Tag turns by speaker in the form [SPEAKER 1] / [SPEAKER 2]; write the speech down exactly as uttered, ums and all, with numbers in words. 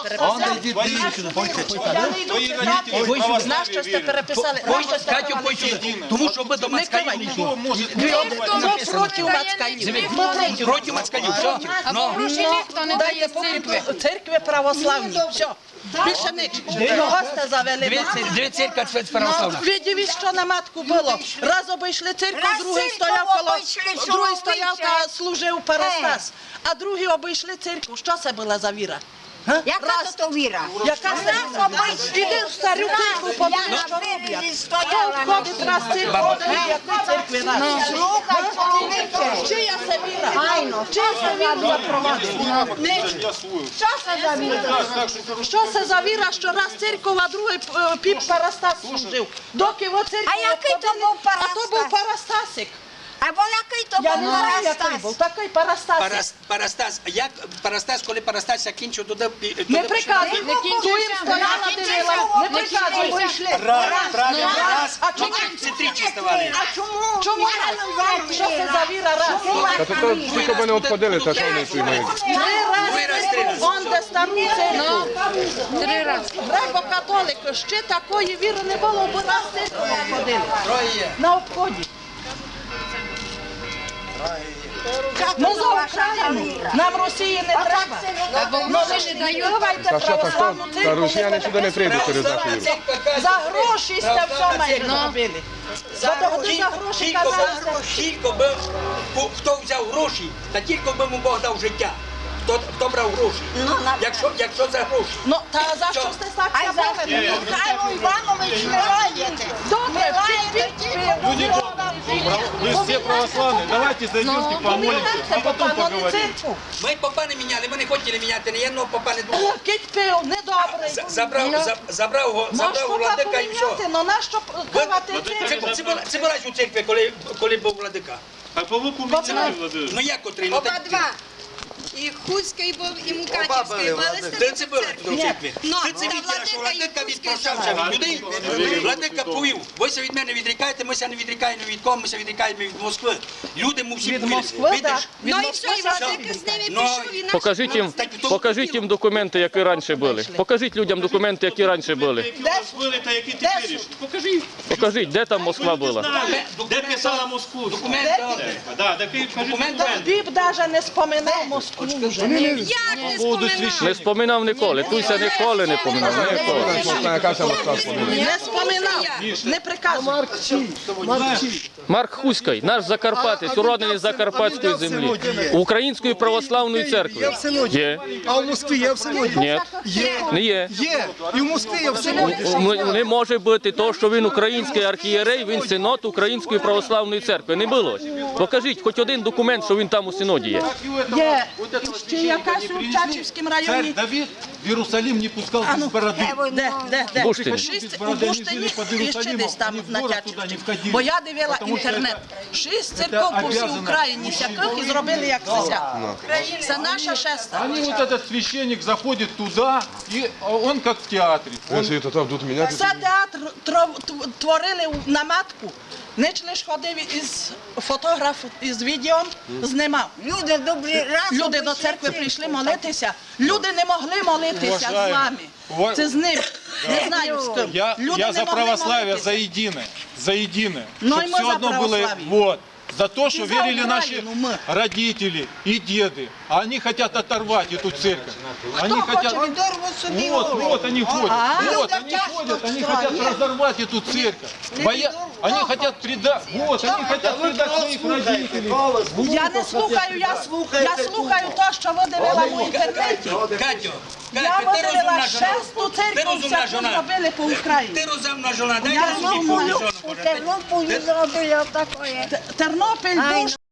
[SPEAKER 1] переписали. Знаєш, що сте переписали?
[SPEAKER 2] Катю, тому що ми до Мацкалів не йшли.
[SPEAKER 1] Ми проти Мацкалів.
[SPEAKER 2] Проти Мацкалів, все.
[SPEAKER 3] Гроші ніхто не дає з церкви.
[SPEAKER 1] Церкви православні, все. Більше нічого. Гости завели.
[SPEAKER 2] Дві церкви православні.
[SPEAKER 1] Ви дивіться, що на матку було. Раз обійшли церкву, другий стояв коло, другий стояв та служив Парастас. А другий обійшли церкву. Що це була за віра?
[SPEAKER 4] Яка то то віра?
[SPEAKER 1] Яка це віра? Іди в стару церкву, подивись, що роблять. Хто входить раз в церкву, яку церкві раз?
[SPEAKER 4] Слухай, чоловіче.
[SPEAKER 1] Чия це віра?
[SPEAKER 4] Айно,
[SPEAKER 1] Чия це віру запровадить?
[SPEAKER 4] що це за віра?
[SPEAKER 1] Що це за віра, що раз церква, а другий е, піп Парастас служив? Доки во церкву
[SPEAKER 4] А який то
[SPEAKER 1] обходили-
[SPEAKER 4] був Парастас?
[SPEAKER 1] А то був Парастасик.
[SPEAKER 4] Або який то
[SPEAKER 1] Я
[SPEAKER 4] був
[SPEAKER 1] не знаю, який
[SPEAKER 4] Парастас?
[SPEAKER 1] був. Такий Парастасик.
[SPEAKER 2] Парас- Парастас, а як Парастас, коли Парастас закінчив, туди...
[SPEAKER 1] Не приказуй, не кінчуй, стояла, дивила. Не приказуй.
[SPEAKER 2] Раз,
[SPEAKER 1] А чому?
[SPEAKER 2] це тричі ставали.
[SPEAKER 4] А чому?
[SPEAKER 1] Чому раз? Що це за віра раз?
[SPEAKER 5] Та то то тільки б не обходили, та що вони приймають.
[SPEAKER 1] Три рази. Он де стару церкву.
[SPEAKER 3] Три рази.
[SPEAKER 1] Греко-католики, ще такої віри не було, бо раз церкву обходили.
[SPEAKER 2] Троє.
[SPEAKER 1] На обході. Ми за Україну. Нам Росії не треба. Ну ви ж не даєте
[SPEAKER 5] Та що, та що?
[SPEAKER 1] православну
[SPEAKER 5] Та
[SPEAKER 1] церкву.
[SPEAKER 5] росіяни сюди не прийдуть через нашу віру.
[SPEAKER 1] За гроші сте все майже зробили. За того за гроші
[SPEAKER 2] Тільки
[SPEAKER 1] казали.
[SPEAKER 2] би- Тільки би, хто- хто взяв гроші, та тільки би йому Бог дав життя. Хто, хто брав гроші? Якщо, якщо за гроші.
[SPEAKER 1] Ну, та за що сте так
[SPEAKER 4] Ай, за
[SPEAKER 1] забавили?
[SPEAKER 4] Михайло Іванович, не раєте.
[SPEAKER 1] Добре, вчіть,
[SPEAKER 6] Вы все православные, давайте зайдемте, помолимся, а потом поговорим.
[SPEAKER 2] Ми попа не міняли, ми не хотіли міняти, ні одного попа не було.
[SPEAKER 1] Кить пив, недобрий.
[SPEAKER 2] За- Забрав, за- забрав його,
[SPEAKER 1] Можеш
[SPEAKER 2] забрав
[SPEAKER 1] попа
[SPEAKER 2] владика і все.
[SPEAKER 1] поміняти, але нащо пивати
[SPEAKER 2] Це,
[SPEAKER 1] церкву?
[SPEAKER 2] це, була, це була ж у церкві, коли, коли був владика.
[SPEAKER 6] А по луку меняли, Владимир?
[SPEAKER 2] Ну як котрий? Ну,
[SPEAKER 3] Оба
[SPEAKER 2] так-
[SPEAKER 3] два. І Хуцький був, і Мукачівський.
[SPEAKER 2] Де це було тут у церкві?
[SPEAKER 3] Ну,
[SPEAKER 2] Це це
[SPEAKER 3] та
[SPEAKER 2] відділа, що
[SPEAKER 3] владика
[SPEAKER 2] владика
[SPEAKER 3] і
[SPEAKER 2] відпрощався від людей. Владика повів. Вися від мене відрікаєте, ми ся не відрікаємо від кого, ми ся відрікаємо від Москви. Люди му всі
[SPEAKER 1] Від
[SPEAKER 2] повірили.
[SPEAKER 1] Москви,
[SPEAKER 2] Видиш?
[SPEAKER 1] так. Від
[SPEAKER 3] Ну і
[SPEAKER 1] Москви
[SPEAKER 3] все, і
[SPEAKER 1] завжди
[SPEAKER 3] владика з ними
[SPEAKER 2] Ну,
[SPEAKER 3] пішов, і наш...
[SPEAKER 7] Покажіть їм, покажіть їм документи, які раніше були. Покажіть людям документи, які раніше були.
[SPEAKER 6] Які у вас були, та які теперішні? Покажіть.
[SPEAKER 7] Покажіть, де там Москва була.
[SPEAKER 6] Де писала Москву?
[SPEAKER 2] Документи.
[SPEAKER 6] Да, такий, кажіть, документи.
[SPEAKER 1] Біб навіть не споминав Москву вже.
[SPEAKER 3] Як не споминав?
[SPEAKER 7] Не споминав ніколи. Туйся ніколи не поминав. Ніколи.
[SPEAKER 5] Яка це Москва спомінає?
[SPEAKER 1] Не споминав, не приказував.
[SPEAKER 7] Марк Хуський, наш закарпатець, уроджений з Закарпатської землі, Української православної церкви. Є?
[SPEAKER 8] А в Москві є в синоді?
[SPEAKER 7] Ні?
[SPEAKER 8] Є.
[SPEAKER 7] Не є.
[SPEAKER 8] Є. І в Москві є в синоді.
[SPEAKER 7] М- Не може бути то, що він український архієрей, він синод Української православної церкви. Не було. Покажіть хоч один документ, що він там у синоді є.
[SPEAKER 1] Є ще якась у Чачівському
[SPEAKER 6] Царь
[SPEAKER 1] районі.
[SPEAKER 6] Давид в Иерусалим не пускал без бороды.
[SPEAKER 1] Де, де, де?
[SPEAKER 7] Буштин.
[SPEAKER 1] Шість,
[SPEAKER 6] Без
[SPEAKER 1] у
[SPEAKER 6] бороди,
[SPEAKER 1] Буштині
[SPEAKER 6] вони жили під
[SPEAKER 1] і ще десь там
[SPEAKER 6] Єрусалимом,
[SPEAKER 1] на
[SPEAKER 6] вони в город туди не
[SPEAKER 1] Чачівському.
[SPEAKER 6] входили.
[SPEAKER 1] Бо я дивила
[SPEAKER 6] Потому що
[SPEAKER 1] інтернет. Шість церков по всій
[SPEAKER 6] обязано.
[SPEAKER 1] Україні сяких і зробили як цеся. Це наша шеста.
[SPEAKER 6] Они вот этот священник заходит туда, и он как в театре. Он
[SPEAKER 5] Вони то будуть міняти.
[SPEAKER 1] Це театр тро- тв- творили на матку. Ніч лиш ходив із фотографом, із відео, знімав.
[SPEAKER 4] Люди добрі разом.
[SPEAKER 1] Люди до церкви прийшли молитися. Люди не могли молитися з
[SPEAKER 6] Уважаємо.
[SPEAKER 1] вами.
[SPEAKER 6] Ува-
[SPEAKER 1] Це з ним. Не знаю з ким.
[SPEAKER 6] Я,
[SPEAKER 1] Люди
[SPEAKER 6] я
[SPEAKER 1] не
[SPEAKER 6] за
[SPEAKER 1] могли
[SPEAKER 6] православие,
[SPEAKER 1] молитися.
[SPEAKER 6] за единое, за единое.
[SPEAKER 1] Ну
[SPEAKER 6] Чтоб
[SPEAKER 1] и мы
[SPEAKER 6] все
[SPEAKER 1] за
[SPEAKER 6] одно было,
[SPEAKER 1] православие.
[SPEAKER 6] вот. За то, что
[SPEAKER 1] за
[SPEAKER 6] верили наши
[SPEAKER 1] Украину мы.
[SPEAKER 6] родители и деды. А они хотят оторвать эту церковь. Они хотят...
[SPEAKER 4] Дорву собі
[SPEAKER 6] Вот,
[SPEAKER 4] голову.
[SPEAKER 6] вот они ходят,
[SPEAKER 1] А?
[SPEAKER 6] вот
[SPEAKER 4] Люди
[SPEAKER 6] они
[SPEAKER 4] тяжко
[SPEAKER 6] ходят, они
[SPEAKER 4] встали.
[SPEAKER 6] хотят разорвать эту церковь. Боя... Они хотят предать, вот, они хотят предать своих родителей.
[SPEAKER 1] Я не слухаю, я, я слухаю те, що ви дивила в інтернеті.
[SPEAKER 2] Катю,
[SPEAKER 1] Я
[SPEAKER 2] Катю, ти
[SPEAKER 1] видивила
[SPEAKER 2] розумна жона.
[SPEAKER 1] шесту
[SPEAKER 2] Ти
[SPEAKER 1] церкву,
[SPEAKER 2] розумна
[SPEAKER 1] всяку
[SPEAKER 2] жона.
[SPEAKER 1] зробили по Україні.
[SPEAKER 2] Ти розумна жона. Дай
[SPEAKER 1] Я
[SPEAKER 2] я собі
[SPEAKER 1] розумна.
[SPEAKER 2] жона.
[SPEAKER 4] У Тернополі зробили отакое.
[SPEAKER 1] Тернопіль
[SPEAKER 4] Ай,
[SPEAKER 1] дуже